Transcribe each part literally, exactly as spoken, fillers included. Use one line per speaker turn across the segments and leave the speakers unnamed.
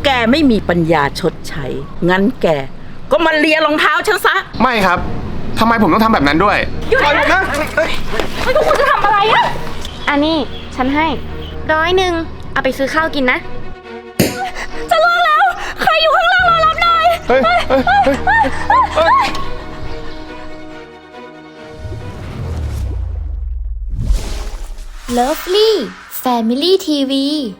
แกไม่มีปัญญาชดใช้งั้นแกก็มาเลียรองเท้าฉันซะ
ไม่ครับทำไมผมต้องทำแบบนั้นด้วย
หยุดนะไม่ต้องคุณจะทำอะไรอะอันนี้ฉันให้ร้อยหนึ่งเอาไปซื้อข้าวกินนะจะเลิกแล้วใครอยู่ข้างล่างรอรับหน่อยเฮ้ยเฮ้ยเฮ้ย
Lovely Family ที วี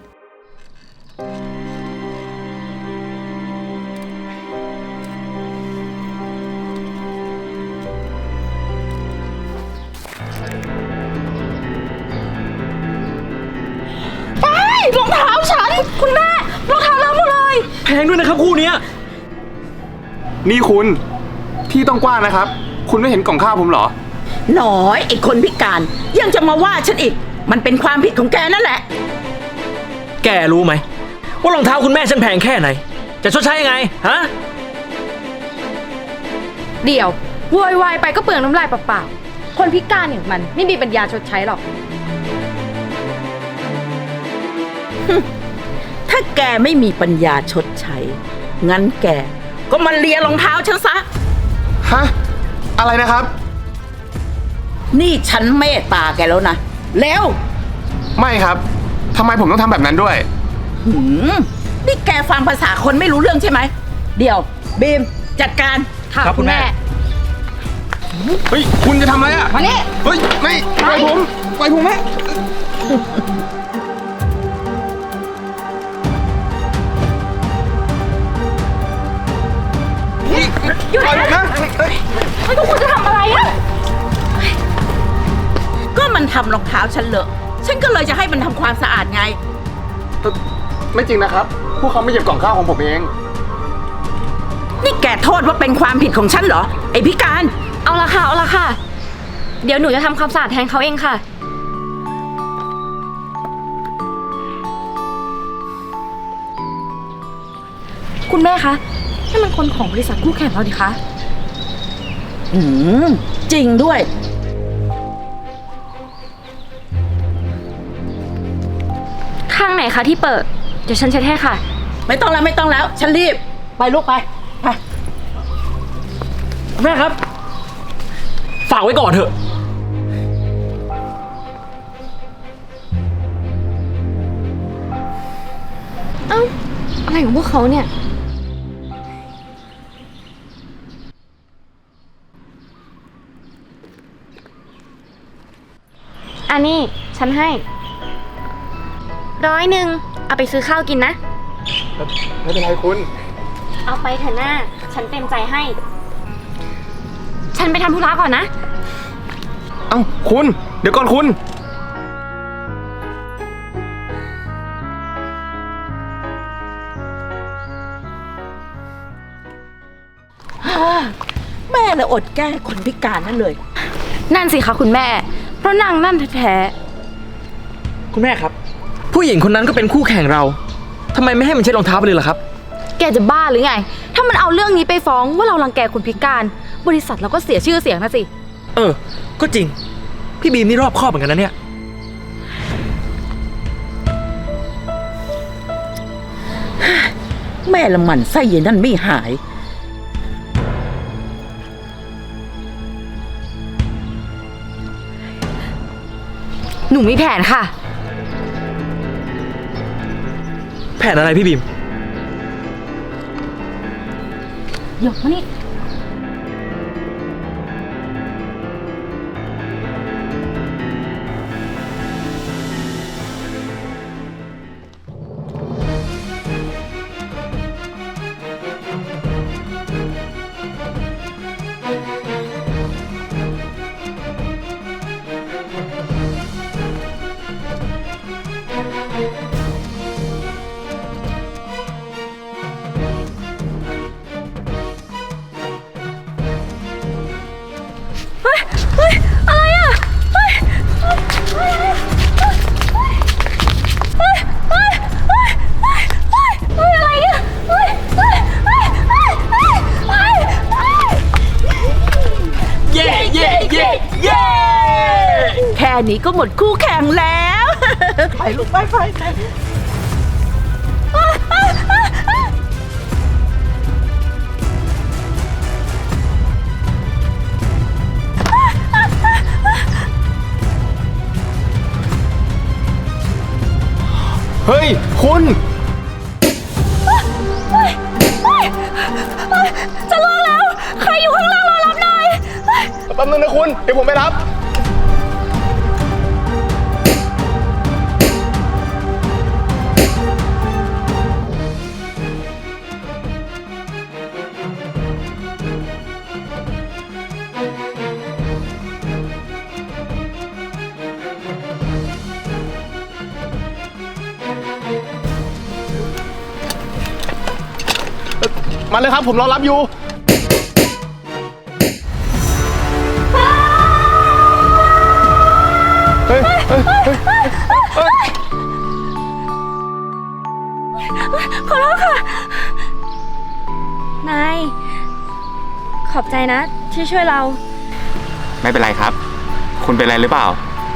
รองเท้าฉันคุณแม่รองเท้าเลอะหมดเลย
แพงด้วยนะครับคู่นี้
นี่คุณที่ต้องกว้างนะครับคุณไม่เห็นกล่องข้าวผมเหรอ
หน่อยไอ้คนพิการยังจะมาว่าฉันอีกมันเป็นความผิดของแกนั่นแหละ
แกรู้ไหมว่ารองเท้าคุณแม่ฉันแพงแค่ไหนจะชดใช้ยังไงฮะ
เดี๋ยวโวยวายไปก็เปลืองน้ำลายเปล่าๆคนพิการอย่างมันไม่มีปัญญาชดใช้หรอก
ถ้าแกไม่มีปัญญาชดใช้งั้นแกก็มาเลียรองเท้าฉันซะ
ฮะอะไรนะครับ
นี่ฉันเมตตาแกแล้วนะแล้ว
ไม่ครับทำไมผมต้องทำแบบนั้นด้วย
หืมนี่แกฟังภาษาคนไม่รู้เรื่องใช่ไหมเดี๋ยวบีมจัดการ
ค่ะคุณแม่
เฮ้ยคุณจะทำอะไรอ่ะ
มานี่
เฮ้ยไม่ปล่อยผมปล่อยผมแม่
หยุดนะไม่ต้องคุณจะทำอะไรอ่ะ
ก็มันทำรองเท้าฉันเลอะฉันก็เลยจะให้มันทำความสะอาดไง
ไม่จริงนะครับพวกเขาไม่เก็บกล่องข้าวของผมเอง
นี่แกโทษว่าเป็นความผิดของฉันเหรอไอ้พิการ
เอาละค่ะเอาละค่ะเดี๋ยวหนูจะทำความสะอาดแทนเขาเองค่ะคุณแม่คะนี่มันคนของบริษัทคู่แข่งเราดิคะ
อืมจริงด้วย
ข้างไหนคะที่เปิดเดี๋ยวฉันเช็ดให้ค่ะ
ไม่ต้องแล้วไม่ต้องแล้วฉันรีบไปลูกไปไป
แม่ครับฝากไว้ก่อนเถอะ
เอ้าอะไรของพวกเขาเนี่ยอันนี้ฉันให้ร้อยหนึ่งเอาไปซื้อข้าวกินนะ
ไม่เป็นไรคุณ
เอาไปเถอะหน้าฉันเต็มใจให้ฉันไปทำธุระก่อนนะ
เอ้าคุณเดี๋ยวก่อนคุณ
แม่เลยอดแก้คนพิการนั่นเลย
นั่นสิคะคุณแม่เพราะนางนั่นแท้
ๆคุณแม่ครับผู้หญิงคนนั้นก็เป็นคู่แข่งเราทำไมไม่ให้มันเช็ดรองเท้าไปเลยล่ะครับ
แกจะบ้าหรือไงถ้ามันเอาเรื่องนี้ไปฟ้องว่าเรารังแกคนพิการบริษัทเราก็เสียชื่อเสียงนะสิ
เออก็จริงพี่บีมนี่รอบคอบเหมือนกันนะเนี่ย
แม่ละมันไส้เย็นนั่นไม่หาย
หนูมีแผนค่ะ
แผนอะไรพี่บีม
หยกมานี่
แค่นี้ก็หมดคู่แข่งแล้วไปลูกไปไป
เฮ้ย คุณ
จะล่วงแล้ว ใครอยู่ข้างล่างรอรับหน่อย
แป๊บนึงนะคุณ เดี๋ยวผมไปรับ มาเลยครับ ผมรอรับอยู่ เฮ้ย เฮ้ย เฮ้ย เฮ้ย
ขอโทษค่ะ นาย ขอบใจนะที่ช่วยเรา
ไม่เป็นไรครับ คุณเป็นไรหรือเปล่า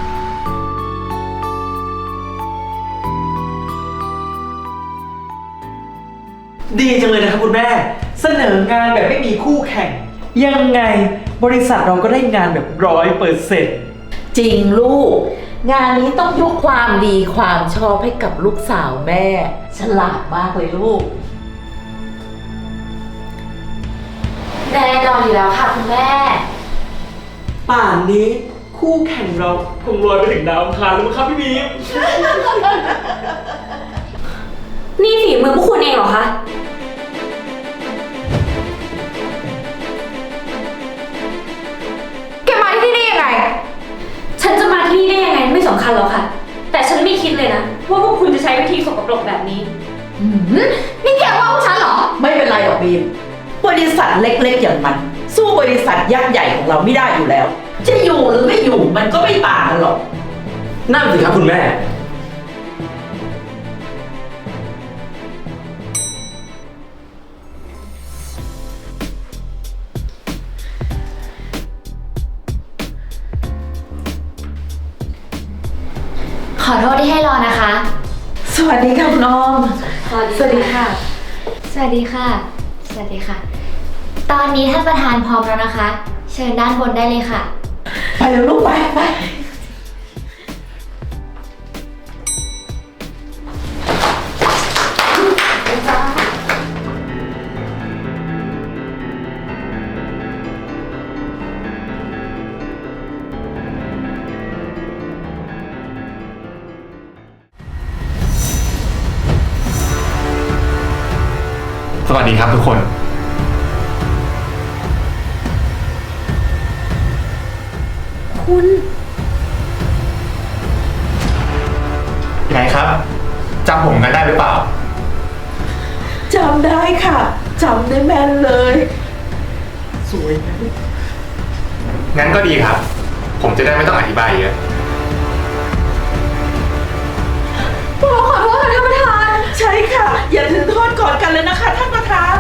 ดีจังเลยนะครับคุณแม่ เสนองานแบบไม่มีคู่แข่ง ยังไงบริษัทเราก็ได้งานแบบร้อยเปอร์เซ็นต์
จริงลูก งานนี้ต้องยกความดีความชอบให้กับลูกสาวแม่ ฉลาดมากเลยลูก
แน่นอนอยู่แล้วค่ะคุณแม่
ป่านนี้คู่แข่งเราคงลอยไปถึงดาวอังคารแล้วมั้งครับพี่บีม
นี่ฝีมือพวกคุณเองเหรอคะ
แกมาที่นี่ยังไง
ฉันจะมาที่นี่ได้ยังไงไม่สำคัญหรอกค่ะ แต่ฉันไม่คิดเลยนะ ว่าพวกคุณจะใช้วิธีสกปรกแบบนี้
นี่แกว่าพวกฉันเหรอ ไม่เป็นไรหรอกบีม บริษัทเล็กๆอย่างมัน สู้บริษัทยักษ์ใหญ่ของเราไม่ได้อยู่แล้ว จะอยู่หรือไม่อยู่มันก็ไม่ต่างกันหรอก
นั่นสิครับคุณแม่
ขอโทษที่ให้รอนะคะ
สวัสดีค่ะคุณออม
สวัสดีค่ะ
สวัสดีค่ะ สวัสดีค่ะ ตอนนี้ท่านประธานพร้อมแล้วนะคะ เชิญด้านบนได้เลยค่ะ
ไปเร็วลูกไปไป
สวัสดีครับทุกคน
คุณ
ไงครับ จำผมกันได้หรือเปล่า
จำได้ค่ะจำได้แม่นเลย
สวยนะ
งั้นก็ดีครับ ผมจะได้ไม่ต้องอธิบายเยอะ
ขอโทษค่ะท่านประธาน ใช่ค่ะ อย่าถือโทษก่อนกันเลยนะคะท่านประธาน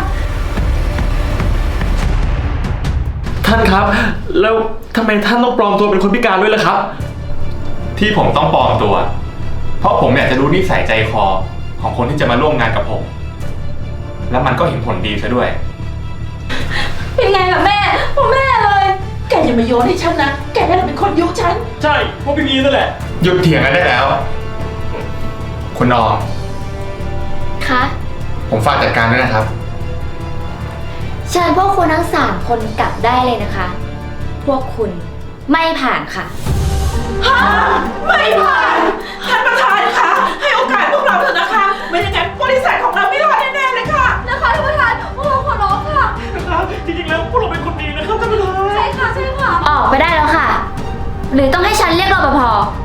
ท่านครับ แล้วทำไมท่านต้องปลอมตัวเป็นคนพิการด้วยล่ะครับ
ที่ผมต้องปลอมตัว เพราะผมอยากจะรู้นิสัยใจคอของคนที่จะมาร่วมงานกับผม แล้วมันก็เห็นผลดีซะด้วย
เป็นไงล่ะแม่พ่อแม่เลย
แกอย่ามาโยนให้ฉันนะ แกนั่นเป็นคนยุฉัน
ใช่พวกพี่บีมนั่นแหละ
หยุดเถียงกันได้แล้ว คุณออม
คะ
ผมฝากจัดการด้วยนะครับ
เชิญพวกคุณทั้งสามคนกลับได้เลยนะคะ พวกคุณไม่ผ่านค่ะ
ไม่ผ่าน ท่านประธานคะให้โอกาสพวกเราเถอะนะคะ ไม่อย่างนั้นบริษัทของเราไม่รอดแน่ๆเลยค่ะ
นะคะท่านประธานพวกเราขอร้องค่ะ
จริงๆแล้วพวกเราเป็นคนดีนะครับท่านประธาน
ใช่ค่ะ ใช่ค่ะ
ออกไปได้แล้วค่ะ หรือต้องให้ฉันเรียกรปภ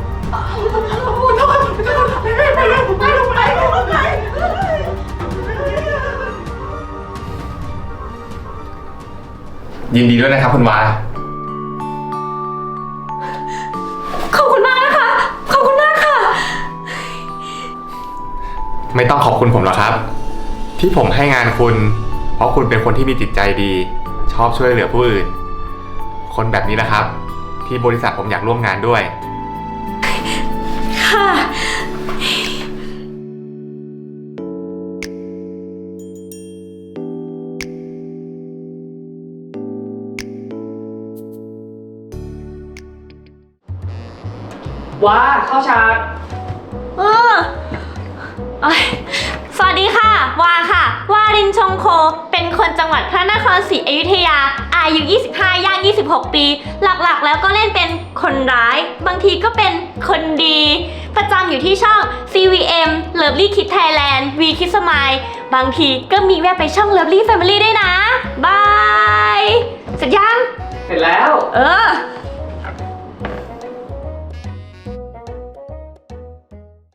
ยินดีด้วยนะครับคุณวา
ขอบคุณมากนะคะ ขอบคุณมากค่ะ
ไม่ต้องขอบคุณผมหรอกครับ ที่ผมให้งานคุณ เพราะคุณเป็นคนที่มีจิตใจดี ชอบช่วยเหลือผู้อื่น คนแบบนี้นะครับ ที่บริษัทผมอยากร่วมงานด้วย
ค่ะ
ว้าเข้าฉาก
เออโอ๊ยสวัสดีค่ะ วาค่ะ วารินชงโค เป็นคนจังหวัดพระนครศรีอยุธยา อายุ ยี่สิบห้า ย่าง ยี่สิบหก ปี หลักๆ แล้วก็เล่นเป็นคนร้าย บางทีก็เป็นคนดี ประจำอยู่ที่ช่อง ซี วี เอ็ม Lovely Kids Thailand V Kids Smile บางทีก็มีแวะไปช่อง Lovely Family ด้วยนะ บาย เสร็จยัง
เสร็จแล้ว
เออ